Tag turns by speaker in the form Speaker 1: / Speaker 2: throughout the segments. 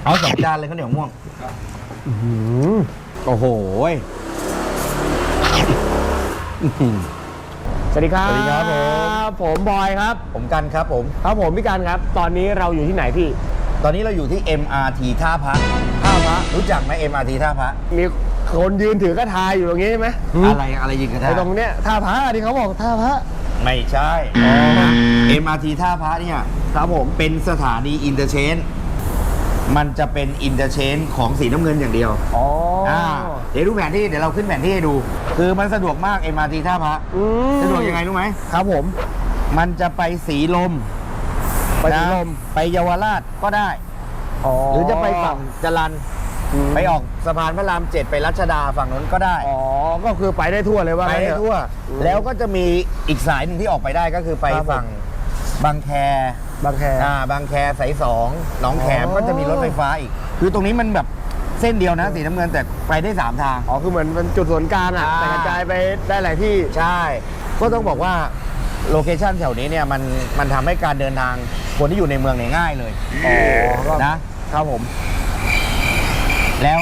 Speaker 1: เอา2 จานเลยข้าวเหนียวม่วงโอ้โห
Speaker 2: สวัสดีครับ
Speaker 1: สวัสดีครับผม
Speaker 2: ผมบอยครับ
Speaker 1: ผมกันครับผม
Speaker 2: ครับผมพี่กันครับ ตอนนี้เราอยู่ที่ไหนพี่
Speaker 1: ตอนนี้เราอยู่ที่ MRT ท่าพระรู้จักไหม MRT ท่าพระ
Speaker 2: มีคนยืนถือกระทาอยู่ตรงนี้ใช่ไหม
Speaker 1: อะไรยิงกระทะ
Speaker 2: ไอ้ตรงเนี้ยท่าพระที่เขาบอกท่าพระ
Speaker 1: ไม่ใช่ MRT ท่าพระเนี่ย
Speaker 2: ครับผม
Speaker 1: เป็นสถานีอินเตอร์เชนมันจะเป็นอินเตอร์เชนของสีน้ำเงินอย่างเดียว
Speaker 2: อ๋อ
Speaker 1: เดี๋ยวดูแผนที่เดี๋ยวเราขึ้นแผนที่ให้ดู คือมันสะดวกมาก MRT ท่าพระสะดวกยังไงรู้ไหม
Speaker 2: ครับผม
Speaker 1: มันจะไปสีลม
Speaker 2: ไปสีลม
Speaker 1: ไปเยาวราชก็ได้ หรือจะไปฝั่งจรัญไปออกสะพานพระราม 7ไปรัชดาฝั่งนั้นก็ได้
Speaker 2: อ๋อก็คือไปได้ทั่วเลยว่า
Speaker 1: ไปได้ทั่ว แล้วก็จะมีอีกสายหนึ่งที่ออกไปได้ก็คือไปฝั่งบางแค
Speaker 2: บางแค
Speaker 1: บางแคสาย2หนองแขมก็จะมีรถไฟฟ้าอีก คือตรงนี้มันแบบเส้นเดียวนะสีน้ำเงินแต่ไปได้3 ทาง
Speaker 2: อ๋อคือเหมือนเป็นจุดศูนย์กลางอ่ะแต่กระจายไปได้หลายที่
Speaker 1: ใช่ ก็ต้องบอกว่าโลเคชั่นแถวนี้เนี่ยมันทำให้การเดินทางคนที่อยู่ในเมืองเนี่ยง่ายเลย
Speaker 2: อ๋อ
Speaker 1: นะครับผม แล้ว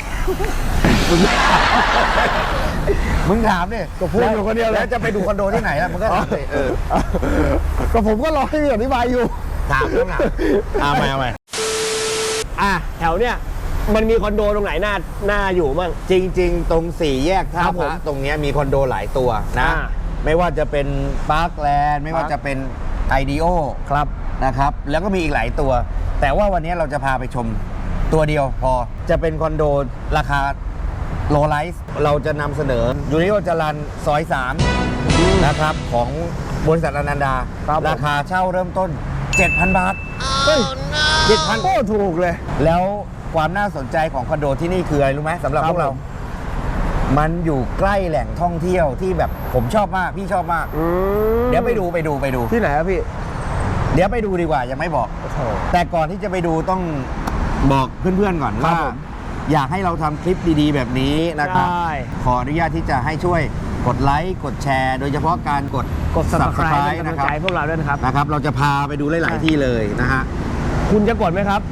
Speaker 1: มึงถามดิ
Speaker 2: ก็พูดอยู่คนเดียวเลย
Speaker 1: แล้วจะไปดูคอนโดที่ไหนล่ะมึงก็ถามเลย
Speaker 2: ก็ผมก็รอให้อธิบายอยู่
Speaker 1: ถามต้องถามเอาไป
Speaker 2: แถวเนี้ยมันมีคอนโดตรงไหนน่าอยู่มั่ง
Speaker 1: จริง ๆ ตรง4 แยกท่า
Speaker 2: ครับ
Speaker 1: พ
Speaker 2: ผม
Speaker 1: ระตรงเนี้ยมีคอนโดหลายตัวนะ ไม่ว่าจะเป็นปาร์คแลนด์ไม่ว่าจะเป็นไอเดโอ
Speaker 2: ครับ
Speaker 1: นะครับ แล้วก็มีอีกหลายตัว แต่ว่าวันนี้เราจะพาไปชมตัวเดียวพอจะเป็นคอนโดราคาโลไลซ์เราจะนำเสนอยูนิโอจรัญซอย3นะครับของบริษัทอนันดา
Speaker 2: ครับ
Speaker 1: ราคาเช่าเริ่มต้น 7,000 บาท
Speaker 2: เฮ้ย
Speaker 1: 7,000
Speaker 2: โอ้ถูกเลย
Speaker 1: แล้วความน่าสนใจของคอนโดที่นี่คืออะไรรู้ไหมสำหรับ
Speaker 2: ครั
Speaker 1: พ
Speaker 2: บ
Speaker 1: วกเรา
Speaker 2: ผม
Speaker 1: มันอยู่ใกล้แหล่งท่องเที่ยวที่แบบผมชอบมากพี่ชอบมาก เดี๋ยวไปดู
Speaker 2: ที่ไหนครับพี่
Speaker 1: เดี๋ยวไปดูดีกว่ายังไม่บอก
Speaker 2: โอ้โห
Speaker 1: แต่ก่อนที่จะไปดูต้องบอกเพื่อนๆก่อน
Speaker 2: ครั
Speaker 1: ว่า
Speaker 2: บผม
Speaker 1: อยากให้เราทำคลิปดีๆ แบบนี้นะครับ
Speaker 2: ได้
Speaker 1: ขออนุญาตที่จะให้ช่วยกดไลค์กดแชร์ โดยเฉพาะการกด
Speaker 2: subscribe เป็นกำลั
Speaker 1: นะ
Speaker 2: ง
Speaker 1: ครั
Speaker 2: ใจ
Speaker 1: บ
Speaker 2: พวกเราด้วยนะครับ
Speaker 1: นะครับ เราจะพาไปดูหลายๆที่เลยนะฮะ
Speaker 2: คุณจะกดไหมครับ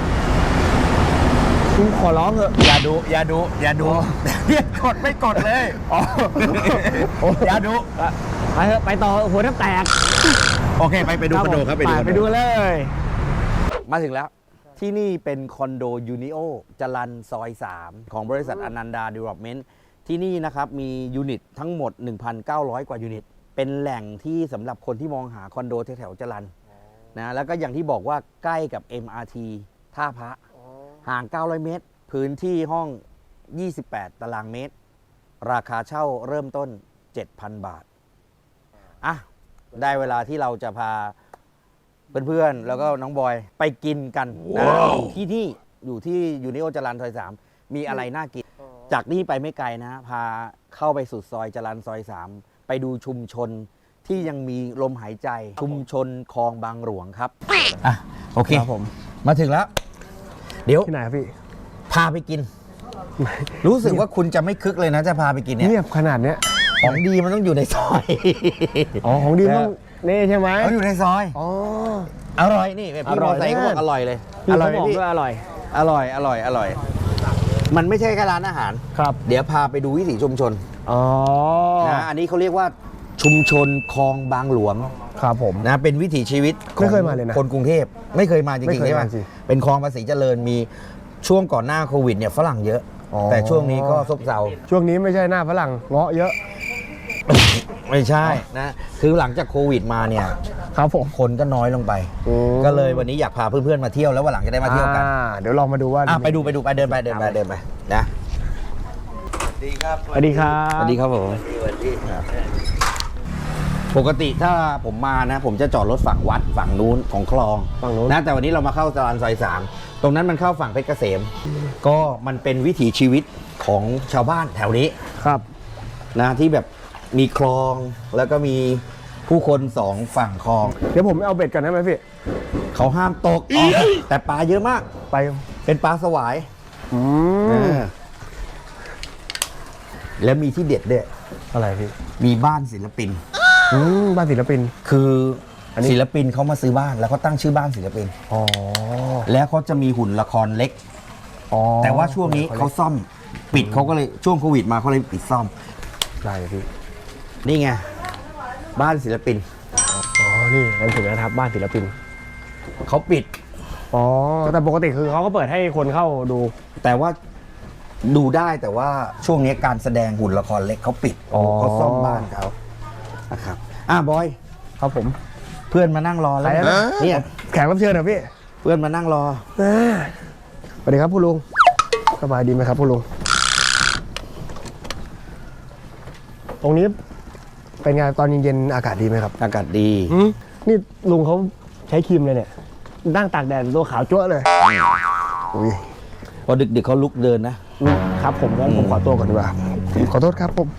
Speaker 2: คุณขอร้องเถอะ
Speaker 1: อย่าดูกดไม่กดเลย
Speaker 2: อ๋อ
Speaker 1: อย่าดู
Speaker 2: ไปเถอะไปต่อหัวแทบแตก
Speaker 1: โอเคไปดูคอนโดครับ
Speaker 2: ไปดูเลย
Speaker 1: มาถึงแล้วที่นี่เป็นคอนโดยูนิโอจรัญซอย3ของบริษัทอนันดา Development ที่นี่นะครับมียูนิตทั้งหมด 1,900 กว่ายูนิต เป็นแหล่งที่สำหรับคนที่มองหาคอนโดแถวๆจรัญนะแล้วก็อย่างที่บอกว่าใกล้กับ MRT ท่าพระห่าง 900 เมตร พื้นที่ห้อง 28 ตารางเมตร ราคาเช่าเริ่มต้น 7,000 บาทอ่ะได้เวลาที่เราจะพาเพื่อนๆ แล้วก็น้องบอยไปกินกันนะที่นี่อยู่ที่ยูนิโอจรัญซอย3มีอะไรน่ากิน จากนี่ไปไม่ไกลนะ พาเข้าไปสุดซอยจรัญซอย3ไปดูชุมชนที่ยังมีลมหายใจชุมชนคลองบางหลวงครับอ่ะโอเค
Speaker 2: ครับผม
Speaker 1: มาถึงแล้ว เดี๋ยว
Speaker 2: ที่ไหนครับพี่
Speaker 1: พาไปกิน รู้สึกว่าคุณจะไม่คึกเลยนะจะพาไปกินเนี่ย
Speaker 2: เงียบขนาดเนี้ย
Speaker 1: ของดีมันต้องอยู่ในซอย
Speaker 2: อ๋อของดีต้องนี่ใช่ไหม
Speaker 1: เขาอยู่ในซอย
Speaker 2: อ๋อ
Speaker 1: อร่อยนี่แบบพี่มอไซค์เขาบอกอร่อยเลย
Speaker 2: พี่
Speaker 1: อร่
Speaker 2: เขา
Speaker 1: อยไหม
Speaker 2: บอก
Speaker 1: พี่
Speaker 2: ด้วยอร่อย
Speaker 1: อร่อย มันไม่ใช่แค่ร้านอาหาร
Speaker 2: ครับ
Speaker 1: เดี๋ยวพาไปดูวิถีชุมชน
Speaker 2: อ๋อ
Speaker 1: นะอันนี้เขาเรียกว่าชุมชนคลองบางหลวง
Speaker 2: ครับผม
Speaker 1: นะเป็นวิถีชีวิตของ
Speaker 2: ไม่เคยมาเลยนะ
Speaker 1: คนกรุงเทพไม่เคยมาจ
Speaker 2: ไม่
Speaker 1: ริง
Speaker 2: เค
Speaker 1: ๆ
Speaker 2: ย
Speaker 1: ใช่ไหม
Speaker 2: มาสิ
Speaker 1: เป็นคลองภาษีเจริญมีช่วงก่อนหน้าโควิดเนี่ยฝรั่งเยอะ
Speaker 2: อ๋อ
Speaker 1: แต่ช่วงนี้ก็ซบเซา
Speaker 2: ช่วงนี้ไม่ใช่หน้าฝรั่งเงาะเยอะ
Speaker 1: ไม่ใช่นะคือหลังจากโควิดมาเนี่ย
Speaker 2: ครับผม
Speaker 1: คนก็น้อยลงไป ก็เลยวันนี้อยากพาเพื่อนๆมาเที่ยวแล้ววันหลังจะได้มาเที่ยวกัน
Speaker 2: เดี๋ยวลองมาดูว่า
Speaker 1: ไปดูไปเดินไปนะดีครับ
Speaker 2: สวัสดีครับ
Speaker 1: สวัสดีครับผมปกติถ้าผมมานะ ผมจะจอดรถฝั่งวัดฝั่งนู้นของคลอง
Speaker 2: ฝั่งนู้น
Speaker 1: นะแต่วันนี้เรามาเข้าจรัญซอย3ตรงนั้นมันเข้าฝั่งเพชรเกษม ก็มันเป็นวิถีชีวิตของชาวบ้านแถวนี้
Speaker 2: ครับ
Speaker 1: นะที่แบบมีคลองแล้วก็มีผู้คน2 ฝั่งคลอง
Speaker 2: เดี๋ยวผมเอาเบ็ดกันได้ไหมพี่
Speaker 1: เขาห้ามตกแต่ปลาเยอะมาก
Speaker 2: ไป
Speaker 1: เป็นปลาสวาย
Speaker 2: อืม
Speaker 1: แล้วมีที่เด็ดด้วย
Speaker 2: อะไรพี่
Speaker 1: มีบ้านศิลปิน
Speaker 2: บ้านศิลปิน
Speaker 1: คือ
Speaker 2: อันนี้
Speaker 1: ศิลปินเขามาซื้อบ้านแล้วเขาตั้งชื่อบ้านศิลปิน
Speaker 2: อ๋อ
Speaker 1: แล้วเขาจะมีหุ่นละครเล็ก
Speaker 2: อ๋อ
Speaker 1: แต่ว่าช่วงนี้เขาซ่อมปิดเขาก็เลยช่วงโควิดมาเขาเลยปิดซ่อม
Speaker 2: ได้พี่
Speaker 1: นี่ไงบ้านศิลปิน
Speaker 2: อ๋อนี่นั่นถึงนะครับบ้านศิลปิน
Speaker 1: เขาปิด
Speaker 2: อ๋อแต่ปกติคือเขาก็เปิดให้คนเข้าดู
Speaker 1: แต่ว่าดูได้แต่ว่าช่วงนี้การแสดงหุ่นละครเล็กเขาปิด
Speaker 2: อ๋อ
Speaker 1: เขาซ่อมบ้านเขานะครับบอย
Speaker 2: ครับผม
Speaker 1: เพื่อนมานั่งรอแล้ว
Speaker 2: ไปแล้วนะ
Speaker 1: เนี่ย
Speaker 2: แขกรับเชิญเหรอพี่
Speaker 1: เพื่อนมานั่งรอ
Speaker 2: สวัสดีครับผู้ลุงสบายดีไหมครับผู้ลุงตรงนี้เป็นไงตอนเย็นๆอากาศดีไหมครับ
Speaker 1: อากาศดี
Speaker 2: นี่ลุงเขาใช้ครีมเลยเนี่ยนั่งตากแดดตัวขาวจั๊วะเลยอุ้ย
Speaker 1: พอดึกๆเขาลุกเดินนะ
Speaker 2: ครับผมงั้นผมขอตัวก่อนดีกว่าขอโทษครับผม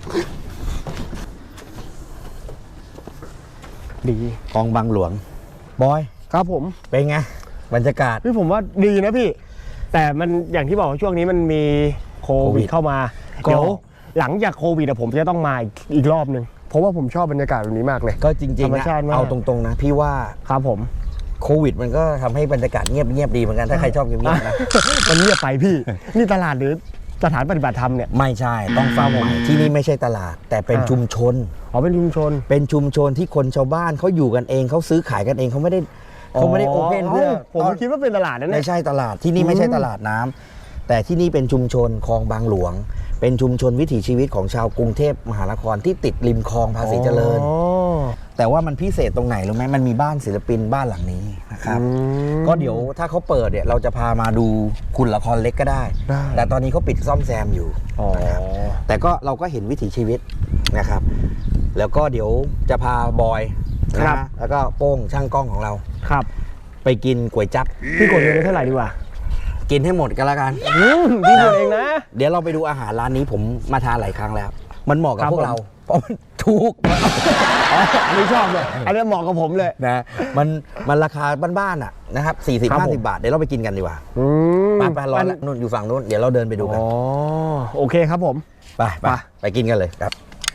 Speaker 2: ดี
Speaker 1: คลองบางหลวง บอย
Speaker 2: ครับผม
Speaker 1: เป็นไงบรรยากาศ
Speaker 2: พี่ผมว่าดีนะพี่ แต่มันอย่างที่บอกว่าช่วงนี้มันมีโค
Speaker 1: โควิ
Speaker 2: วิ
Speaker 1: ด
Speaker 2: ดเข้ามา
Speaker 1: ก็
Speaker 2: เดี๋ยวหลังจากโควิดผมจะต้องมาอีกรอบหนึ่งเพราะว่าผมชอบบรรยากาศแบบนี้มากเลย
Speaker 1: ก็จริง
Speaker 2: ธรรม
Speaker 1: ๆนะ
Speaker 2: ชาติมาก
Speaker 1: เอาตรงๆนะ พี่ว่า
Speaker 2: ครับผม
Speaker 1: โควิดมันก็ทำให้บรรยากาศเงียบดีเหมือนกันถ้าใครชอบเงียบๆนะ
Speaker 2: มันเงียบไปพี่ นี่ตลาดหรือสถานปฏิบัติธรรมเนี่ย
Speaker 1: ไม่ใช่ต้องฟังใหม่ที่นี่ไม่ใช่ตลาด แต่เป็น
Speaker 2: อ่า
Speaker 1: ชุมชน
Speaker 2: อ๋อเป็นชุมชน
Speaker 1: เป็นชุมชนที่คนชาวบ้านเขาอยู่กันเองเขาซื้อขายกันเองเขาไม่ได้โอเพนเพื่อ
Speaker 2: ผมก็คิดว่าเป็นตลาดนั่นแห
Speaker 1: ไม่
Speaker 2: ละ
Speaker 1: ใช่ตลาดที่นี่ไม่ใช่ตลาดน้ำแต่ที่นี่เป็นชุมชนคลองบางหลวง เป็นชุมชนวิถีชีวิตของชาวกรุงเทพมหานครที่ติดริมคลองภาษีเจริญ
Speaker 2: อ๋อ
Speaker 1: แต่ว่ามันพิเศษตรงไหนรู้ไหมมันมีบ้านศิลปินบ้านหลังนี้นะครับ
Speaker 2: อืม
Speaker 1: ก็เดี๋ยวถ้าเขาเปิดเนี่ยเราจะพามาดูคุณละครเล็กก็ได้
Speaker 2: ได้
Speaker 1: แต่ตอนนี้เขาปิดซ่อมแซมอยู่
Speaker 2: อ๋อ
Speaker 1: นะครับแต่ก็เราก็เห็นวิถีชีวิตนะครับ แล้วก็เดี๋ยวจะพาบอยนะแล้วก็โป้งช่างกล้องของเรา
Speaker 2: ครับ
Speaker 1: ไปกินก๋วยจั๊บ
Speaker 2: พี่กดเงินไปเท่าไหร่ดีกว่า
Speaker 1: กินให้หมดกันละกัน
Speaker 2: พี่กดเองนะ
Speaker 1: เดี๋ยวเราไปดูอาหารร้านนี้ผมมาทานหลายครั้งแล้ว มันเหมาะกับ
Speaker 2: ครับ
Speaker 1: พวกเราเพราะมันถูก
Speaker 2: อ๋ออันนี้ชอบเลยอันนี้เหมาะกับผมเลย
Speaker 1: นะมันราคาบ้านๆอ่ะนะครับ
Speaker 2: ครับผม
Speaker 1: 40-50 บาทเดี๋ยวเราไปกินกันดีกว่า
Speaker 2: อืม
Speaker 1: ไปร้อนแล้วนู่นอยู่ฝั่งนู้นเดี๋ยวเราเดินไปดูกัน
Speaker 2: อ๋อโอเคครับผม
Speaker 1: ไป ไปกินกันเลยครับ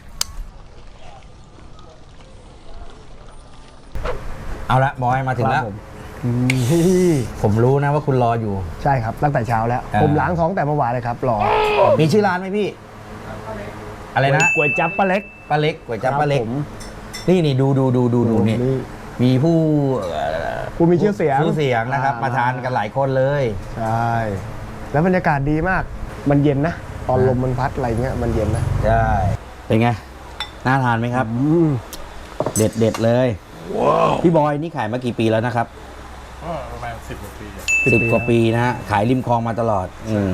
Speaker 1: เอาละบอยมาถึงแล้ว
Speaker 2: ครับผม
Speaker 1: ผมรู้นะว่าคุณรออยู่
Speaker 2: ใช่ครับตั้งแต่เช้าแล้ว ผมล้างท้องแต่เมื่อวานเลยครับรอ
Speaker 1: มีชื่อร้านไหมพี่ อะไรนะ
Speaker 2: ก๋วยจั๊บป้าเล็ก
Speaker 1: ป้าเล็กก๋วยจั๊บป้าเล็ก
Speaker 2: ครับผม
Speaker 1: นี่ดูนี่
Speaker 2: นี่
Speaker 1: มีผู้
Speaker 2: ผู้มีชื่อเสียง
Speaker 1: ผู้เสียงนะครับ มาทานกันหลายคนเลย
Speaker 2: ใช่แล้วบรรยากาศดีมาก มันเย็นนะ ตอนลมมันพัดอะไรเงี้ยมันเย็นนะ
Speaker 1: ใช่เป็นไงน่าทานไหมครับ เด็ดเลยพี่บอยนี่ขายมากี่ปีแล้วนะครับ
Speaker 3: ก็ประมาณ10 กว่าปีอะ
Speaker 1: 10 กว่าปีนะฮะขายริมคลองมาตลอด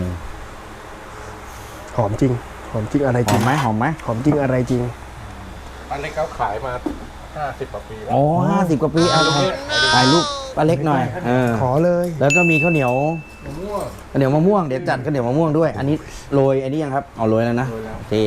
Speaker 2: หอมจริงหอมจริงอะไร
Speaker 1: ห
Speaker 2: จ
Speaker 1: อ
Speaker 2: ริ
Speaker 1: ม
Speaker 2: ง
Speaker 1: ไหมหอมไหม
Speaker 2: หอมจริงอะไรจริง
Speaker 3: ป้าเล็กเขาขายมา 50 กว่าปีแล้ว
Speaker 1: โอ้50 กว่าปีถ่ายรูปป้าเล็กหน่อย
Speaker 2: ขอเลย
Speaker 1: แล้วก็มีข้าวเหนียว
Speaker 3: มะม่วง
Speaker 1: ข้าวเหนียวมะม่วงเดี๋ยวจัดข้าวเหนียวมะม่วงด้วย อันนี้โรยอันนี้ยังครับเอาโรยแล้วนะ
Speaker 3: โรยแล้ว
Speaker 1: โอเค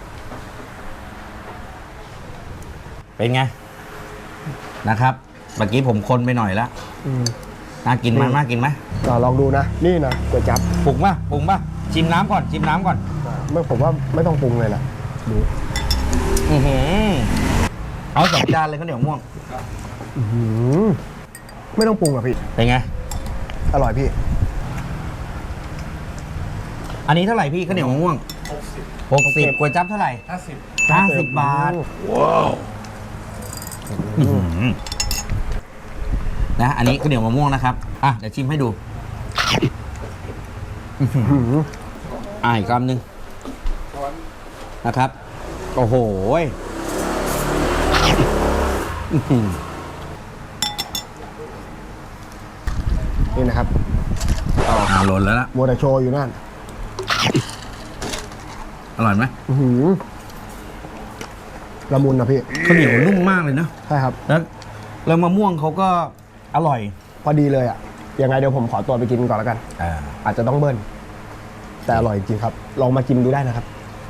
Speaker 1: เป็นไงนะครับเมื่อกี้ผมคนไปหน่อยแล้ว
Speaker 2: อืม
Speaker 1: น่ากินไหม
Speaker 2: นี่
Speaker 1: น่ากินไหม
Speaker 2: ลองดูนะ นี่นะก๋วยจั๊บ
Speaker 1: ปรุงป่ะชิมน้ำก่อน
Speaker 2: ไม่ผมว่าไม่ต้องปรุงเลยล่ะดู
Speaker 1: อื้อหือเอา2 จานเลยข้าวเหนียวมะม่วง
Speaker 2: อื้อหือไม่ต้องปรุงอ่ะพี่
Speaker 1: เป็นไง
Speaker 2: อร่อยพี่
Speaker 1: อันนี้เท่าไหร่พี่ข้าวเหนียวมะม่วง 60ก๋วยจั๊บเท่าไหร่
Speaker 3: 50
Speaker 1: 50 บาทว้าวนะอันนี้ข้าวเหนียวมะม่วงนะครับอ่ะเดี๋ยวชิมให้ดูอีกคำหนึ่งนะครับโอ้โหอื้อหือ
Speaker 2: นี่นะครับ
Speaker 1: หล่นแล้วล่ะ
Speaker 2: มัวแต่โชว์อยู่นั่น
Speaker 1: อร่อยไหม
Speaker 2: อื้อหือละมุนนะพี่
Speaker 1: ข้าวเหนียวนุ่มมากเลยนะ
Speaker 2: ใช่ครับ
Speaker 1: แล้วมะม่วงเขาก็อร่อย
Speaker 2: พอดีเลยอ่ะยังไงเดี๋ยวผมขอตัวไปกินก่อนแล้วกัน อาจจะต้องเบิ้ลแต่อร่อยจริงครับ ลองมากินดูได้นะครับ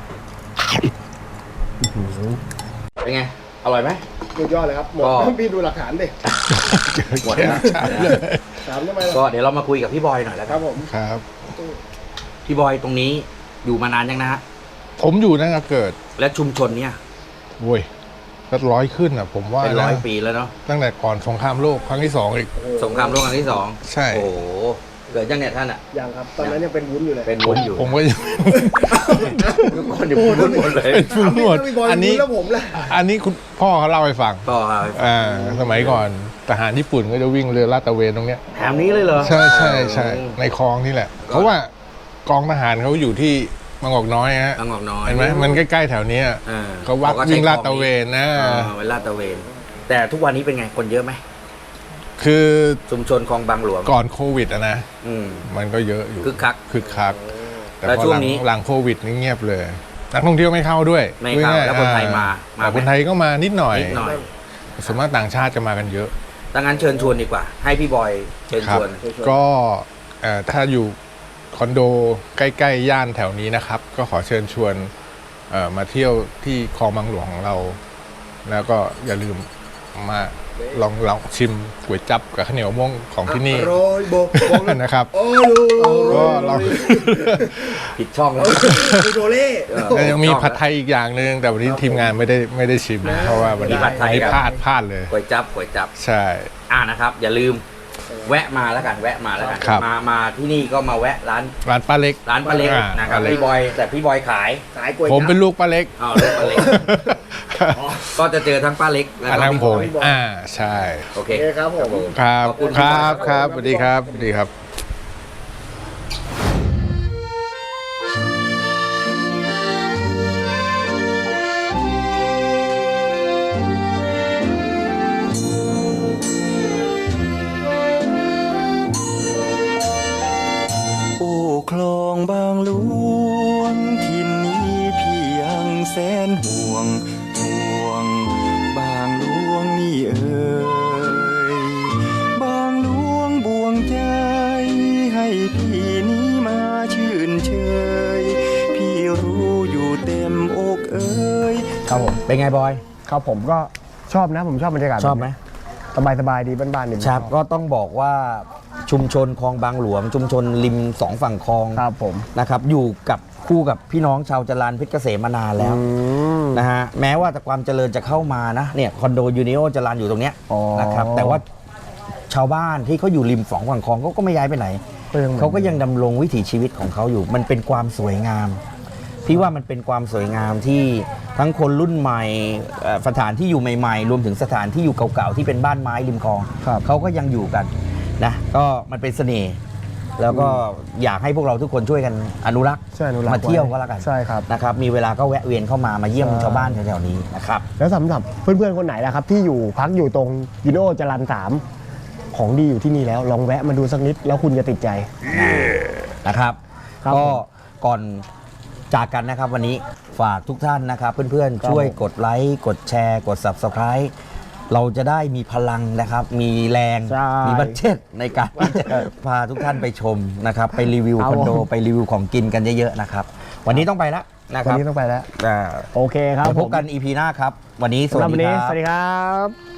Speaker 2: อื้อหือ
Speaker 1: เป็นไงอร่อยไหม
Speaker 2: สุดยอดเลยครับหมด
Speaker 1: ก็
Speaker 2: พี่ดูหลักฐานดิ
Speaker 1: หมดแล้ว
Speaker 2: ถามทำไม
Speaker 1: ก็
Speaker 2: ล่ะ
Speaker 1: เดี๋ยวเรามาคุยกับพี่บอยหน่อยแล้ว
Speaker 2: ค
Speaker 1: กั
Speaker 2: รั
Speaker 1: น
Speaker 2: บผม
Speaker 3: ครับ
Speaker 1: พี่บอยตรงนี้อยู่มานานยังนะฮะ
Speaker 3: ผมอยู่ตั้งแต่เกิด
Speaker 1: และชุมชนเนี่ย
Speaker 3: โว้ยก็ร้อยขึ้นอ่ะผมว่า
Speaker 1: เป็นร้อย
Speaker 3: นะ
Speaker 1: ปีแล้วเนาะ
Speaker 3: ตั้งแต่ก่อนสงครามโลกครั้งที่ 2อีก
Speaker 1: สงครามโลกครั้งที่ 2
Speaker 3: ใช่
Speaker 1: โอ้โหเกิดยังเนี่ยท่านอ่ะ
Speaker 2: ยังครับ ตอนนั้นยังเป็นวุ้นอยู่เลย
Speaker 1: เป็นวุ้นอยู่
Speaker 3: ผมก็ยัง
Speaker 1: ทุกคนอยู่พูดหมดเลย
Speaker 3: เป็นฟุ้งหมดอันนี้
Speaker 2: แล้วผมล่ะ
Speaker 3: อันนี้คุณพ่อเขาเล่าให้ฟัง
Speaker 1: ก็ครับ
Speaker 3: สมัยก่อนทหารญี่ปุ่นก็จะวิ่งเรือลาดตระเวนตรงเนี้ย
Speaker 1: แถมนี้เลยเหรอ
Speaker 3: ใช่ใช่ใช่ในคลองนี่แหละ เพราะว่ากองทหารเขาอยู่ที่บางกอกน้อยฮะ
Speaker 1: บางกอกน้อย
Speaker 3: เห็นไหมมันใกล้ๆแถวเนี้ย
Speaker 1: อ่า
Speaker 3: เขาวัด
Speaker 1: ก็ใช้
Speaker 3: วิ่งลาดตระเวนนะ
Speaker 1: เวลาดตระเวน แต่ทุกวันนี้เป็นไงคนเยอะไหม
Speaker 3: คือ
Speaker 1: ชุมชนคลองบางหลวง
Speaker 3: ก่อนโควิดอะนะ
Speaker 1: อืม
Speaker 3: มันก็เยอะอยู่
Speaker 1: คึกคัก
Speaker 3: คึกคักแต่
Speaker 1: แล้ว
Speaker 3: พอ
Speaker 1: ช่ว
Speaker 3: ห
Speaker 1: ง
Speaker 3: ลัง
Speaker 1: นี้
Speaker 3: หลังโควิดนี่เงียบเลยนักท่องเที่ยวไม่เข้าด้วย
Speaker 1: ไม่เข้า
Speaker 3: ด้วย
Speaker 1: แล้วคนไทยมา
Speaker 3: แต่
Speaker 1: ไห
Speaker 3: คนไทยก็มานิดหน่อย
Speaker 1: นิดหน่อย
Speaker 3: ส่วนมากต่างชาติจะมากันเยอะ
Speaker 1: ดังนั้นเชิญชวนดีกว่า ให้พี่บอยเชิญ
Speaker 3: ครั
Speaker 1: ช
Speaker 3: บ
Speaker 1: วน
Speaker 3: ก็ถ้าอยู่คอนโดใกล้ๆย่านแถวนี้นะครับ ก็ขอเชิญชวนมาเที่ยวที่คลองบางหลวงของเรา แล้วก็อย่าลืมมาลองชิมก๋วยจั๊บกับข้าวเหนียวมะม่วงของที่นี่
Speaker 2: โรยโบก
Speaker 3: นะครับ
Speaker 2: โอ้ย
Speaker 3: ก็ลอง
Speaker 1: ผิดช่องแล้ว
Speaker 2: โดเล่
Speaker 3: แล้วยังมีผัดไทยอีกอย่างหนึ่งแต่วันนี้ทีมงานไม่ได้ชิมเพราะว่าวันนี้
Speaker 1: มีผัดไทย
Speaker 3: วันนี้
Speaker 1: ครับ
Speaker 3: พลาดเลย
Speaker 1: ก๋วยจับ
Speaker 3: ใช่
Speaker 1: นะครับ อย่าลืมแวะมาแล้วกันแวะมาแล้วกัน
Speaker 3: ครับ
Speaker 1: มาที่นี่ก็มาแวะร้าน
Speaker 3: ร้านป้าเล็ก
Speaker 1: ป้าเล็ก
Speaker 3: อ่า
Speaker 1: นะครับ
Speaker 3: ป้าเล็ก
Speaker 1: พี่บอยแต่พี่บอยขาย
Speaker 2: สายกล้วย
Speaker 3: ผมเป็นลูกป้าเล็ก
Speaker 1: อ้าวลูกป้าเล็ก ก็จะเจอทั้งป้าเล็กแล้ว
Speaker 3: อัน
Speaker 1: ก็
Speaker 3: นั้น
Speaker 1: พี่
Speaker 3: ผ
Speaker 1: บ
Speaker 3: ม
Speaker 1: อย
Speaker 3: ใช่
Speaker 1: โอเค
Speaker 2: โอเคครับผม
Speaker 3: ครับ
Speaker 1: ขอบคุณ
Speaker 3: ครับ
Speaker 1: พี่บอย
Speaker 3: ครับสวัสดีครับสวัสดีครับ
Speaker 4: โอ้คลองบางหลวงทินนี้พี่ยังแสนห่วงบางหลวงนี่เอ่ยบางหลวงบวงใจให้พี่นี้มาชื่นเชยพี่รู้อยู่เต็มอกเอ่ย
Speaker 2: ครับผม
Speaker 1: เป็นไงบอย
Speaker 2: ครับผมก็ชอบนะผมชอบบรรยากาศ
Speaker 1: ชอบไหม
Speaker 2: สบายๆดีบ้านๆนี่
Speaker 1: ครับก็ต้องบอกว่าชุมชนคลองบางหลวง ชุมชนริมสองฝั่งคลอง
Speaker 2: ครับผม
Speaker 1: นะครับอยู่กับคู่กับพี่น้องชาวจรัญเพชรเกษมมานานแล้ว
Speaker 2: ม
Speaker 1: นะฮะแม้ว่าแต่ความเจริญจะเข้ามานะเนี่ยคอนโดยูนิโอจรัญอยู่ตรงเนี้ย
Speaker 2: อ๋อ
Speaker 1: นะครับแต่ว่าชาวบ้านที่เขาอยู่ริมสองฝั่งคลองเขาก็ไม่ย้ายไปไหน เขาก็ยังดำรงวิถีชีวิตของเขาอยู่ มันเป็นความสวยงาม พี่ว่ามันเป็นความสวยงามที่ทั้งคนรุ่นใหม่สถานที่อยู่ใหม่ๆ รวมถึงสถานที่อยู่เก่าๆที่เป็นบ้านไม้ริมคลอง
Speaker 2: ครับ
Speaker 1: เขาก็ยังอยู่กันนะก็มันเป็นเสน่ห์แล้วก็อยากให้พวกเราทุกคนช่วยกันอนุรักษ์
Speaker 2: ใช่อนุรักษ์
Speaker 1: มาเที่ยวก็แล้วกัน
Speaker 2: ใช่ครับ
Speaker 1: นะครับมีเวลาก็แวะเวียนเข้ามาเยี่ยม
Speaker 2: ใช่
Speaker 1: ชาวบ้านแถวๆนี้นะครับ
Speaker 2: แล้วสำหรับเพื่อนๆคนไหนล่ะครับ ที่อยู่พักอยู่ตรงยูโนจรัญ3ของดีอยู่ที่นี่แล้วลองแวะมาดูสักนิดแล้วคุณจะติดใจ
Speaker 1: นะครับ
Speaker 2: ครับ
Speaker 1: ก็
Speaker 2: ผม
Speaker 1: ก่อนจากกันนะครับวันนี้ฝากทุกท่านนะครับ เพื่อน
Speaker 2: ครับ
Speaker 1: ๆ ช่วยกดไลค์กดแชร์ กด Subscribe เราจะได้มีพลังนะครับ มีแรง
Speaker 2: ใช่
Speaker 1: มีบัตเจ็ตในการที่จะพาทุกท่านไปชมนะครับ ไปรีวิว
Speaker 2: ครับ
Speaker 1: คอนโด
Speaker 2: ผม
Speaker 1: ไปรีวิวของกินกันเยอะๆนะครับ วันนี้ต้องไปแล้วนะค
Speaker 2: วัน
Speaker 1: รับ
Speaker 2: นี้ต้องไปแล้ว
Speaker 1: อ่า
Speaker 2: โอเคครับ
Speaker 1: เดี๋ยวพบกัน EP หน้าครับ วันนี้ส
Speaker 2: สำห
Speaker 1: วั
Speaker 2: รับ
Speaker 1: ส
Speaker 2: วัน
Speaker 1: ดี
Speaker 2: นี้
Speaker 1: ค
Speaker 2: ส
Speaker 1: รับ
Speaker 2: วัสดีครับ